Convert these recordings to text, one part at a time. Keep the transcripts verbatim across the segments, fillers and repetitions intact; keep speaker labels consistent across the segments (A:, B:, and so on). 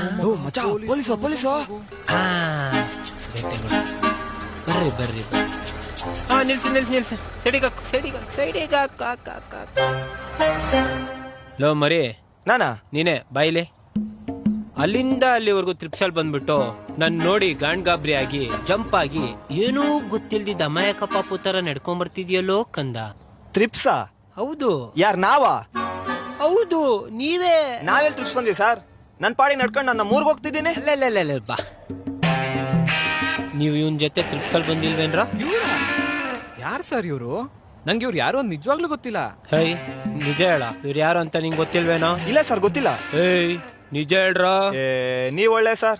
A: Police police
B: ಬರ್ರಿ ಬರ್ರಿ ಹಾ ನಿಲ್ಸಿ ನಿಲ್ಸಿ ನಿಲ್ಸಿ ಸೈಡಿಗ ಸೈಡಿಗ ಸೈಡಿಗ ಲೋ ಮರಿ
A: ನಾನಾ
B: ನೀನೆ ಬಾಯಿಲೆ ಅಲ್ಲಿಂದ ಅಲ್ಲಿವರೆಗೂ ತ್ರಿಪ್ಸಲ್ ಬಂದ್ಬಿಟ್ಟು ನನ್ ನೋಡಿ ಗಾಂಡ್ ಗಾಬ್ರಿ ಆಗಿ ಜಂಪ್ ಆಗಿ ಏನೂ ಗೊತ್ತಿಲ್ದಿದ್ದ ಅಮಾಯಕ ಪಾಪು ತರ ನಡ್ಕೊಂಡ್ ಬರ್ತಿದ್ಯಲ್ಲೋ ಕಂದ.
A: ತ್ರಿಪ್ಸ?
B: ಹೌದು.
A: ಯಾರ್ ನಾವಾ?
B: ಹೌದು ನೀವೇ.
A: ನಾವೆಲ್ ತ್ರಿಪ್ಸ್ ಬಂದ್ವಿ ಸರ್? ನನ್ ಪಾಡಿ ನಡ್ಕೊಂಡು ನನ್ನ ಮೂರ್ಗ್ ಹೋಗ್ತಿದ್ದೀನಿ.
B: ಅಲ್ಲ ಬಾ ನೀವು ಇವನ್ ಜೊತೆ ತ್ರಿಪ್ಸಲ್ ಬಂದಿಲ್ವೇನ್ರ?
C: ಯಾರು ಸರ್ ಇವ್ರು? ನಂಗೆ ಇವ್ರು ಯಾರು ನಿಜವಾಗ್ಲೂ ಗೊತ್ತಿಲ್ಲ.
B: ಹೇ ನಿಜ ಹೇಳ, ಇವ್ರು ಯಾರು ಅಂತ ನಿಂಗೆ ಗೊತ್ತಿಲ್ವೇನೋ?
A: ಇಲ್ಲ ಸರ್ ಗೊತ್ತಿಲ್ಲ.
B: ಏಯ್ ನಿಜ ಹೇಳ್ರ.
A: ನೀವ್ ಒಳ್ಳೆ ಸರ್.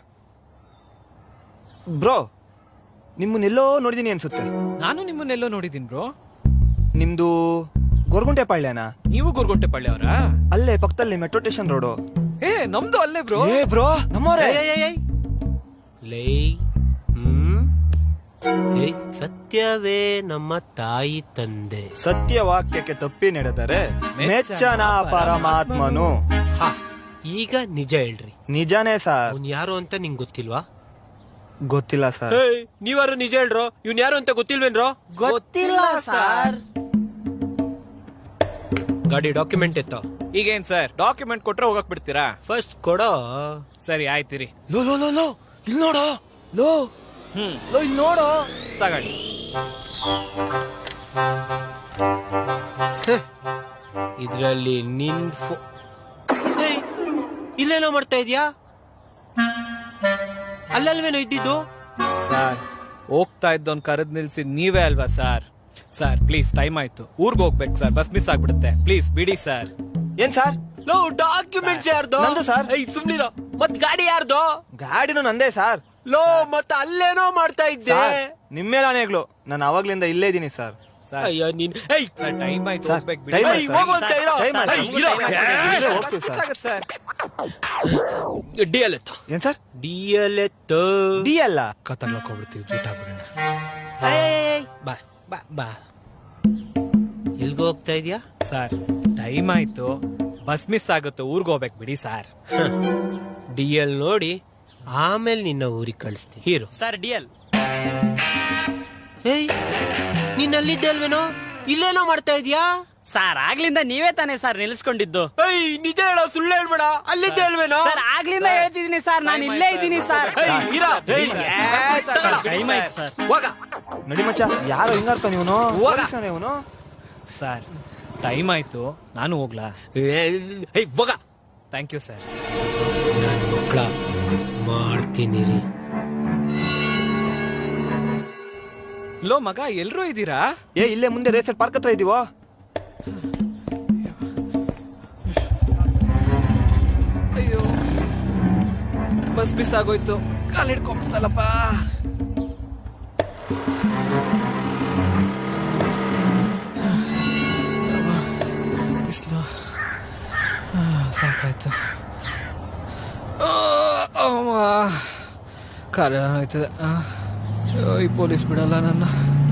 A: ಬ್ರೋ ನಿಮ್ಮನ್ನೆಲ್ಲೋ ನೋಡಿದೀನಿ ಅನ್ಸುತ್ತೆ.
C: ನಾನು ನಿಮ್ಮನ್ನೆಲ್ಲೋ ನೋಡಿದೀನಿ ಬ್ರೋ.
A: ನಿಮ್ದು ಗೊರಗುಂಟೆ ಪಾಳ್ಯನಾ?
C: ನೀವು ಗೊರಗುಂಟೆ ಪಾಳ್ಯ ಅವರ?
A: ಅಲ್ಲೇ ಪಕ್ಕದಲ್ಲಿ ಮೆಟ್ರೋ ಸ್ಟೇಷನ್ ರೋಡು.
C: ಏ ನಮ್ದು ಅಲ್ಲೇ ಬ್ರೋ.
A: ಏ ಬ್ರೋ ನಮ್ಮೋರೇ.
B: ಲೇ ಹ್ಮ್ ಏಯ್ ಸತ್ಯವೇ ನಮ್ಮ ತಾಯಿ ತಂದೆ.
A: ಸತ್ಯ ವಾಕ್ಯಕ್ಕೆ ತಪ್ಪಿ ನಡೆದರೆ ಮೆಚ್ಚನ ಪರಮಾತ್ಮನು.
B: ಹಾ ಈಗ ನಿಜ ಹೇಳ್ರಿ.
A: ನಿಜಾನೇ ಸರ್.
B: ಅವ್ನ್ ಯಾರು ಅಂತ ನಿಂಗ್ ಗೊತ್ತಿಲ್ವಾ?
A: ಗೊತ್ತಿಲ್ಲ ಸರ್.
B: ನೀವಾರು ನಿಜ ಹೇಳ್ರೋ. ಇವ್ನ್ ಯಾರು ಅಂತ ಗೊತ್ತಿಲ್ವೇನ್ರೋ?
D: ಗೊತ್ತಿಲ್ಲ ಸರ್.
B: ಗಾಡಿ ಡಾಕ್ಯುಮೆಂಟ್ ಎತ್ತ.
C: ಈಗೇನ್ ಸರ್ ಡಾಕ್ಯುಮೆಂಟ್ ಕೊಟ್ರೆ ಹೋಗಕ್ ಬಿಡ್ತೀರಾ?
B: ಫಸ್ಟ್ ಕೊಡೋ.
C: ಸರಿ ಆಯ್ತಿರಿ.
A: ಲೋ ಲೋ ಲೋ ಲೋ ಇಲ್ಲಿ ನೋಡೋ. ಲೋ
C: ಹ್ಮ್
A: ಲೋ ಇಲ್ಲಿ ನೋಡೋ.
C: ತಗೊಳ್ಳಿ.
B: ಇದ್ರಲ್ಲಿ ನಿನ್ ಫೋ ಇಲ್ಲೇನೋ ಮಾಡ್ತಾ ಇದ್ಯಾ? ಅಲ್ಲಲ್ವೇನೋ ಇದ್ದಿದ್ದು?
C: ಸರ್ ಹೋಗ್ತಾ ಇದ್ದೋನ್ ಕರೆದ್ ನಿಲ್ಸಿದ್ ನೀವೇ ಅಲ್ವಾ ಸರ್? ಸರ್ ಪ್ಲೀಸ್ ಟೈಮ್ ಆಯ್ತು, ಊರ್ಗ್ ಹೋಗ್ಬೇಕು ಸರ್, ಬಸ್ ಮಿಸ್ ಆಗ್ಬಿಡುತ್ತೆ, ಪ್ಲೀಸ್ ಬಿಡಿ ಸರ್.
A: ಏನ್ ಸರ್?
B: ಲೋ ಡಾಕ್ಯುಮೆಂಟ್ಸ್ ಯಾರ್ದು?
A: ನಂದು ಸರ್.
B: ಏಯ್ ಸುಮ್ನಿರೋ. ಮತ್ ಗಾಡಿ ಯಾರ್ದು?
A: ಗಾಡಿನೂ ನಂದೇ ಸರ್.
B: ಲೋ ಮತ್ತ ಅಲ್ಲೇನೋ ಮಾಡ್ತಾ ಇದ್ದೆ.
A: ನಿಮ್ಮೇಲೆ ಆನೆಗಳು. ನಾನು ಅವಾಗ್ಲಿಂದ ಇಲ್ಲೇ ಇದೀನಿ ಸರ್.
B: ಅಯ್ಯೋ ನೀನ್ ಏಯ್
C: ಸರ್ ಟೈಮ್ ಆಯ್ತು,
A: ಸರ್,
C: ಹೋಗ್ಬೇಕು
A: ಟೈಮ್
C: ಬಿಡಿ.
A: ಆಯ್ತು
B: ಏಯ್, ಹೋಗು ಅಂತ ಇರೋ.
A: ಟೈಮ್ ಆಯ್ತು.
B: ಏಯ್, ಇರೋ.
A: ಇರೋ, ಹೋಗ್ತೀವಿ ಸರ್.
C: ಸರ್
B: ಡಿ ಎಲ್ ಎತ್ತ.
A: ಏನ್ ಸರ್?
B: ಡಿ ಎಲ್ ಎತ್ತ.
A: ಡಿ ಅಲ್ಲ
C: ಕತ್ತರ್ಲಕ್ ಹೋಗ್ಬಿಡ್ತೀವಿ, ಜೂಟ ಬಿಡೋಣ.
B: ಬಾ ಬಾ ಬಾ ಎಲ್ಗೋ ಹೋಗ್ತಾ ಇದ್ಯಾ?
C: ಸರ್ ಟೈಮ್ ಆಯ್ತು, ಬಸ್ ಮಿಸ್ ಆಗುತ್ತೆ, ಊರ್ಗ್ ಹೋಗ್ಬೇಕು ಬಿಡಿ ಸರ್.
B: ಡಿ ಎಲ್ ನೋಡಿ ಆಮೇಲೆ ನಿನ್ನ ಊರಿಗೆ ಕಳಿಸ್ತೀನಿ. Hero
D: sir D L.
B: ಏಯ್ ನೀನ್ ಅಲ್ಲಿದ್ದೆ ಅಲ್ವೇನೋ? ಇಲ್ಲೇನೋ ಮಾಡ್ತಾ ಇದ್ಯಾ?
D: ಸರ್ ಆಗ್ಲಿಂದ ನೀವೇ ತಾನೇ ಸರ್ ನಿಲ್ಸ್ಕೊಂಡಿದ್ದು.
B: ಏಯ್ ನಿಜ ಹೇಳೋ, ಸುಳ್ಳು ಹೇಳ್ಬೇಡ. ಅಲ್ಲಿದ್ದೆ ಅಲ್ವೇನೋ?
D: ಸರ್ ಆಗ್ಲಿಂದ ಹೇಳ್ತಿದೀನಿ ಸರ್, ನಾನು ಇಲ್ಲೇ ಇದ್ದೀನಿ ಸರ್. ಟೈಮ್ ಆಯ್ತು ಸರ್.
B: ಹೋಗ
A: ನಡಿ ಮಚ್ಚ. ಯಾರೋ ಹಿಂಗಾರ್ತ ನೀವನು? ಇವನು
C: ಸರ್ ಟೈಮ್ ಆಯ್ತು, ನಾನು ಹೋಗ್ಲಾ?
B: ಏಯ್ ಹೋಗ.
C: Thank you sir.
B: ನಾನು ಮಕ್ಕಳ ಮಾಡ್ತೀನಿ ರೀ.
C: ಲೋ ಮಗ ಎಲ್ರೂ ಇದ್ದೀರಾ?
A: ಏ ಇಲ್ಲೇ ಮುಂದೆ ರೇಸರ್ ಪಾರ್ಕ್ ಹತ್ರ ಇದೀವೋ.
C: ಅಯ್ಯೋ ಬಸ್ ಮಿಸ್ ಆಗೋಯ್ತು, ಕಾಲ್ ಹಿಡ್ಕೊಂಡ್ಬಿಡ್ತಲ್ಲಪ್ಪ. ಬಿಸ್ಲು ಸಾಕಾಯ್ತು. ಕಾಲ ಆಯ್ತದೆ. ಈ ಪೊಲೀಸ್ ಬಿಡಲ್ಲ ನನ್ನ.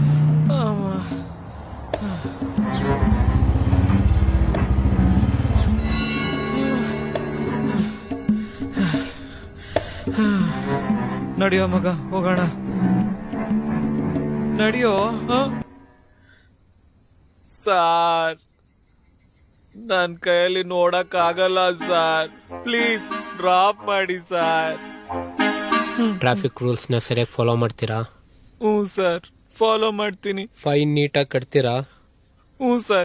C: ನಡಿಯೋ ಮಗ ಹೋಗೋಣ, ನಡಿಯೋ. ಸಾರ್ ನನ್ ಕೈಯಲ್ಲಿ ನೋಡಕ್ ಆಗಲ್ಲ ಸಾರ್, ಪ್ಲೀಸ್ ಡ್ರಾಪ್ ಮಾಡಿ ಸಾರ್.
B: ಟ್ರಾಫಿಕ್ ರೂಲ್ಸ್ ನ ಸರಿಯಾಗಿ ಫಾಲೋ ಮಾಡ್ತೀರಾ?
C: ಹ್ಞೂ ಸರ್ ಫಾಲೋ ಮಾಡ್ತೀನಿ.
B: ಫೈನ್ ನೀಟಾಗಿ ಕಟ್ತೀರಾ?
C: ಹ್ಞೂ ಸರ್.